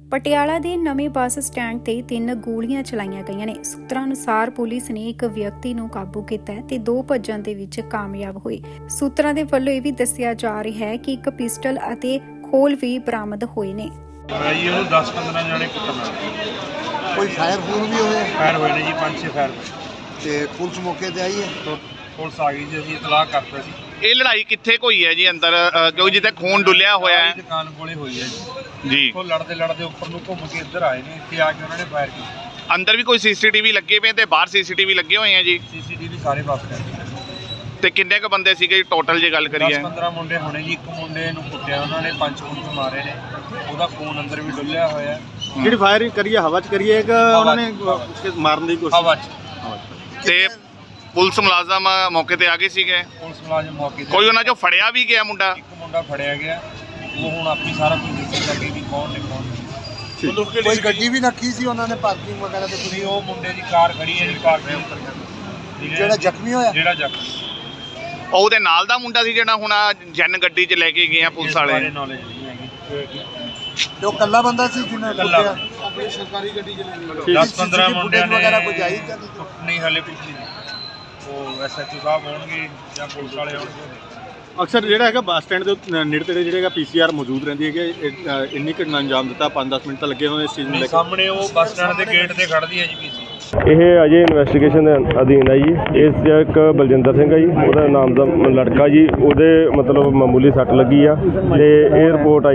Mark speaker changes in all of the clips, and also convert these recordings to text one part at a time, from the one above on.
Speaker 1: ਪਟਿਆਲਾ ਦੇ ਨਵੇਂ bus stand ਤੇ 3 ਗੋਲੀਆਂ ਚਲਾਈਆਂ ਗਈਆਂ ਨੇ। ਸੂਤਰਾਂ ਅਨੁਸਾਰ ਪੁਲਿਸ ਨੇ ਇੱਕ ਵਿਅਕਤੀ ਨੂੰ ਕਾਬੂ ਕੀਤਾ ਹੈ ਤੇ 2 ਭੱਜਣ ਦੇ ਵਿੱਚ ਕਾਮਯਾਬ ਹੋਏ। ਸੂਤਰਾਂ ਦੇ ਵੱਲੋਂ ਇਹ ਵੀ ਦੱਸਿਆ ਜਾ ਰਿਹਾ ਹੈ ਕਿ ਇੱਕ ਪਿਸਟਲ ਅਤੇ ਖੋਲ ਵੀ ਬਰਾਮਦ ਹੋਏ ਨੇ।
Speaker 2: ਜੀ ਉਹ 10-15 ਜਣੇ ਕੁੱਟਣਾ
Speaker 3: ਕੋਈ ਫਾਇਰ ਫੂਰ ਵੀ ਹੋਇਆ?
Speaker 2: ਫਾਇਰ ਹੋਏ ਨੇ ਜੀ, 5-6 ਫਾਇਰ
Speaker 3: ਤੇ ਪੁਲਿਸ ਮੌਕੇ ਤੇ ਆਈ ਹੈ?
Speaker 2: ਪੁਲਿਸ ਆ ਗਈ ਜੀ, ਅਸੀਂ ਇਤਲਾਹ ਕਰਤਾ ਸੀ।
Speaker 4: ਇਹ ਲੜਾਈ ਕਿੱਥੇ ਹੋਈ ਹੈ ਜੀ ਅੰਦਰ, ਕਿਉਂਕਿ ਜਿੱਥੇ ਖੂਨ ਡੁੱਲਿਆ ਹੋਇਆ ਹੈ?
Speaker 2: ਦੁਕਾਨ ਕੋਲੇ ਹੋਈ ਹੈ
Speaker 4: ਜੀ।
Speaker 2: ਉਹ ਲੜਦੇ ਉੱਪਰ ਨੂੰ ਘੁੰਮ ਕੇ ਇੱਧਰ ਆਏ ਨੇ, ਇੱਥੇ ਆ ਕੇ ਉਹਨਾਂ ਨੇ ਫਾਇਰ ਕੀਤਾ।
Speaker 4: ਅੰਦਰ ਵੀ ਕੋਈ ਸੀਸੀਟੀਵੀ ਲੱਗੇ ਪਏ ਤੇ ਬਾਹਰ ਸੀਸੀਟੀਵੀ ਲੱਗੇ ਹੋਏ ਆ ਜੀ?
Speaker 2: ਸੀਸੀਟੀਵੀ ਸਾਰੇ ਪਾਸ ਕਰ
Speaker 4: ਤੇ ਕਿੰਨੇ ਕੁ ਬੰਦੇ ਸੀਗੇ ਟੋਟਲ ਜੇ ਗੱਲ ਕਰੀਏ?
Speaker 2: 10-15 ਮੁੰਡੇ ਹੋਣੇ ਜੀ। ਇੱਕ ਮੁੰਡੇ ਨੂੰ ਕੁੱਟਿਆ ਉਹਨਾਂ ਨੇ, 5 ਮੁੰਡੇ ਮਾਰੇ ਨੇ, ਉਹਦਾ ਖੂਨ ਅੰਦਰ ਵੀ ਡੁੱਲਿਆ ਹੋਇਆ।
Speaker 5: ਜਿਹੜੀ ਫਾਇਰਿੰਗ ਕਰੀਏ ਹਵਾ 'ਚ ਕਰੀਏ ਕਿ ਉਹਨਾਂ ਨੇ ਮਾਰਨ ਦੀ ਕੋਸ਼ਿਸ਼?
Speaker 2: ਹਵਾ 'ਚ।
Speaker 4: ਤੇ ਪੁਲਿਸ ਮੁਲਾਜ਼ਮ ਮੌਕੇ ਤੇ ਆ ਗਏ ਸੀਗੇ?
Speaker 2: ਪੁਲਿਸ ਮੁਲਾਜ਼ਮ ਮੌਕੇ ਤੇ।
Speaker 4: ਕੋਈ ਉਹਨਾਂ ਚੋਂ ਫੜਿਆ ਵੀ ਗਿਆ ਮੁੰਡਾ?
Speaker 2: ਇੱਕ ਮੁੰਡਾ ਫੜਿਆ ਗਿਆ, ਉਹ ਹੁਣ ਆਪਣੀ ਸਾਰਾ ਕੁਝ ਦੱਸਣ ਲੱਗੇ ਕਿ ਕੌਣ ਨੇ ਕੌਣ ਨਹੀਂ।
Speaker 3: ਕੋਈ ਗੱਡੀ ਵੀ ਰੱਖੀ ਸੀ ਉਹਨਾਂ ਨੇ ਪਾਰਕਿੰਗ ਵਗੈਰਾ ਤੇ?
Speaker 2: ਤੁਸੀਂ ਉਹ ਮੁੰਡੇ ਦੀ ਕਾਰ ਖੜੀ ਹੈ ਜੀ ਪਾਰਕਿੰਗ।
Speaker 3: ਜਿਹੜਾ ਜ਼ਖਮੀ ਹੋਇਆ?
Speaker 2: ਜਿਹੜਾ ਜ਼ਖਮੀ
Speaker 4: ਉਹਦੇ ਨਾਲ ਦਾ ਮੁੰਡਾ ਸੀ ਜਿਹੜਾ ਹੁਣ ਜਨ ਗੱਡੀ 'ਚ ਲੈ ਕੇ ਗਏ ਆ ਪੁਲਿਸ ਵਾਲੇ?
Speaker 2: ਨੌਲੇਜ ਨਹੀਂ ਹੈਗੀ।
Speaker 3: ਤੇ ਉਹ ਕੱਲਾ ਬੰਦਾ ਸੀ ਜਿਹਨੇ
Speaker 2: ਇਕੱਲਾ।
Speaker 3: ਕੁੱਟਿਆ? ਆਪਣੀ ਸਰਕਾਰੀ ਗੱਡੀ 'ਚ ਲੈ ਗਏ?
Speaker 2: 10-15 ਮੁੰਡਿਆਂ ਨੇ
Speaker 3: ਵਗੈਰਾ ਕੋਈ ਆਈ ਤਾਂ
Speaker 2: ਨਹੀਂ, ਹਲੇ ਕੁਝ ਨਹੀਂ। ਉਹ ਐਸਐਚਓ ਸਾਹਿਬ ਹੋਣਗੇ ਜਾਂ ਪੁਲਿਸ ਵਾਲੇ ਹੋਣਗੇ।
Speaker 5: ਅਕਸਰ ਜਿਹੜਾ ਹੈਗਾ ਬੱਸ ਸਟੈਂਡ ਦੇ ਨੇੜੇ ਤੇੜੇ ਜਿਹੜੇ ਹੈਗਾ ਪੀਸੀਆਰ ਮੌਜੂਦ ਰਹਿੰਦੀ ਹੈ ਕਿ ਇੰਨੀ ਘਟਨਾ ਅੰਜਾਮ ਦਿੱਤਾ, 5-10 ਮਿੰਟ ਤਾਂ ਲੱਗੇ ਹੋਏ ਇਸ ਚੀਜ਼ ਨੂੰ ਲੈ ਕੇ।
Speaker 2: ਸਾਹਮਣੇ ਉਹ ਬੱਸ ਸਟੈਂਡ ਦੇ ਗੇਟ ਤੇ ਖੜਦੀ ਹੈ ਜੀ ਪੀਸੀ।
Speaker 6: ਇਹ ਅਜੇ ਇਨਵੈਸਟੀਗੇਸ਼ਨ ਦੇ ਅਧੀਨ ਹੈ ਜੀ। ਇਸ 'ਚ ਇੱਕ ਬਲਜਿੰਦਰ ਸਿੰਘ ਹੈ ਜੀ, ਉਹਦਾ ਨਾਮ ਦਾ ਲੜਕਾ ਜੀ, ਉਹਦੇ ਮਤਲਬ ਮਾਮੂਲੀ ਸੱਟ ਲੱਗੀ ਆ ਤੇ 에ਅਰਪੋਰਟ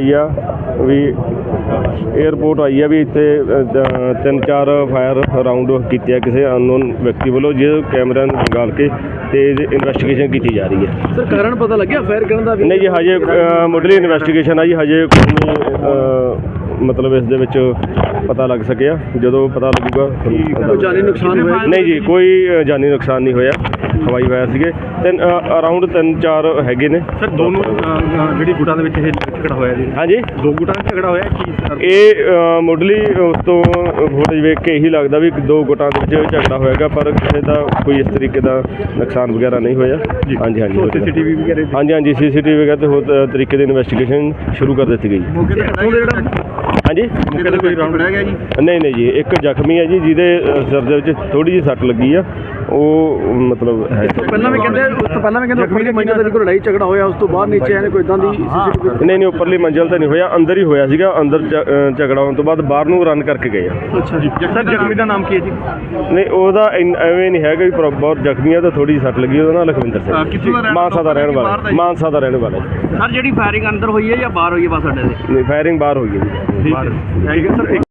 Speaker 6: ਆਈ ਆ ਵੀ ਇੱਥੇ 3-4 ਫਾਇਰ ਰਾਉਂਡ ਕੀਤੇ ਆ ਕਿਸੇ ਅਨਨੋਨ ਵਿਅਕਤੀ ਵੱਲੋਂ, ਜਿਹਦੇ ਕੈਮਰਾ ਨਿਕਾਲ ਕੇ ਤੇ ਇਨਵੈਸਟੀਗੇਸ਼ਨ ਕੀਤੀ ਜਾ ਰਹੀ ਹੈ।
Speaker 7: ਸਰ ਕਾਰਨ ਪਤਾ ਲੱਗਿਆ ਫਾਇਰ ਕਰਨ ਦਾ?
Speaker 6: ਨਹੀਂ ਜੀ, ਹਜੇ ਮੁੱਢਲੀ ਇਨਵੈਸਟੀਗੇਸ਼ਨ ਆ ਜੀ, ਹਜੇ ਕੋਈ ਮਤਲਬ ਇਸ ਦੇ ਵਿੱਚ ਪਤਾ ਲੱਗ ਸਕਿਆ। ਜਦੋਂ ਪਤਾ ਲੱਗੂਗਾ
Speaker 7: ਕੋਈ ਜਾਨੀ ਨੁਕਸਾਨ ਹੋਇਆ?
Speaker 6: ਨਹੀਂ ਜੀ, ਕੋਈ ਜਾਨੀ ਨੁਕਸਾਨ ਨਹੀਂ ਹੋਇਆ। ਹਵਾਈ ਫਾਇਰ ਸੀਗੇ ਅਰਾਊਂਡ 3-4 ਹੈਗੇ ਨੇ।
Speaker 5: ਸਰ ਦੋਨੋਂ ਜਿਹੜੀ ਗੁੱਟਾਂ ਦੇ ਵਿੱਚ ਇਹ ਝਗੜਾ ਹੋਇਆ ਜੀ?
Speaker 6: ਹਾਂਜੀ,
Speaker 5: 2 ਗੁੱਟਾਂ ਦਾ ਝਗੜਾ ਹੋਇਆ ਕੀ ਸਰ?
Speaker 6: ਇਹ ਮੁੱਢਲੀ ਉਸ ਤੋਂ ਫੁਟੇਜ ਵੇਖ ਕੇ ਇਹੀ ਲੱਗਦਾ ਵੀ 2 ਗੁੱਟਾਂ ਦੇ ਵਿੱਚ ਝਗੜਾ ਹੋਏਗਾ, ਪਰ ਕਿਸੇ ਦਾ ਕੋਈ ਇਸ ਤਰੀਕੇ ਦਾ ਨੁਕਸਾਨ ਵਗੈਰਾ ਨਹੀਂ ਹੋਇਆ। ਹਾਂਜੀ
Speaker 5: ਸੀਸੀਟੀਵੀ ਵਗੈਰਾ?
Speaker 6: ਹਾਂਜੀ, ਸੀਸੀਟੀਵੀ ਵਗੈਰਾ ਤੇ ਹੋਰ ਤਰੀਕੇ ਦੀ ਇਨਵੈਸਟੀਗੇਸ਼ਨ ਸ਼ੁਰੂ ਕਰ ਦਿੱਤੀ ਗਈ।
Speaker 5: ਮੌਕੇ ਤੇ
Speaker 6: ਹਾਂਜੀ,
Speaker 5: ਮੌਕੇ ਤੇ ਕੋਈ ਰਾਉਂਡ ਰਹਿ ਗਿਆ ਜੀ?
Speaker 6: ਨਹੀਂ ਜੀ, ਇੱਕ ਜ਼ਖਮੀ ਹੈ ਜੀ, ਜਿਹਦੇ ਸਿਰ ਦੇ ਵਿੱਚ ਥੋੜੀ ਜਿਹੀ ਸੱਟ ਲੱਗੀ ਆ। ਉਹ ਮਤਲਬ ਹੈ
Speaker 7: ਪਹਿਲਾਂ ਵੀ ਕਹਿੰਦੇ ਉੱਪਰਲੀ ਮੰਜ਼ਿਲ ਤੇ ਕੋਈ ਲੜਾਈ ਝਗੜਾ ਹੋਇਆ, ਉਸ ਤੋਂ ਬਾਅਦ ਨੀਚੇ ਆਏ ਨੇ, ਕੋਈ ਇਦਾਂ ਦੀ ਸੀਸੀਟੀਵੀ?
Speaker 6: ਨਹੀਂ, ਉੱਪਰਲੀ ਮੰਜ਼ਿਲ ਤੇ ਨਹੀਂ ਹੋਇਆ, ਅੰਦਰ ਹੀ ਹੋਇਆ ਸੀਗਾ। ਅੰਦਰ ਝਗੜਾ ਹੋਣ ਤੋਂ ਬਾਅਦ ਬਾਹਰ ਨੂੰ ਰਨ ਕਰਕੇ ਗਏ ਆ।
Speaker 7: ਅੱਛਾ ਜੀ।
Speaker 5: ਸਰ ਜ਼ਖਮੀ ਦਾ ਨਾਮ ਕੀ ਹੈ ਜੀ?
Speaker 6: ਨਹੀਂ, ਉਹਦਾ ਐਵੇਂ ਨਹੀਂ ਹੈਗਾ ਵੀ ਬਹੁਤ ਜ਼ਖਮੀ ਆ, ਤਾਂ ਥੋੜੀ ਜਿਹੀ ਸੱਟ ਲੱਗੀ। ਉਹਦਾ ਨਾਮ ਲਖਵਿੰਦਰ ਸਿੰਘ, ਮਾਨਸਾ ਦਾ ਰਹਿਣ ਵਾਲਾ।
Speaker 7: ਸਰ ਜਿਹੜੀ ਫਾਇਰਿੰਗ ਅੰਦਰ ਹੋਈ ਹੈ ਜਾਂ ਬਾਹਰ ਹੋਈ ਹੈ ਬੱਸ ਅੱਡੇ ਦੇ?
Speaker 6: ਨਹੀਂ, ਫਾਇਰਿੰਗ ਬਾਹਰ ਹੋਈ ਹੈ ਜੀ।
Speaker 5: ਠੀਕ ਹੈ ਸਰ।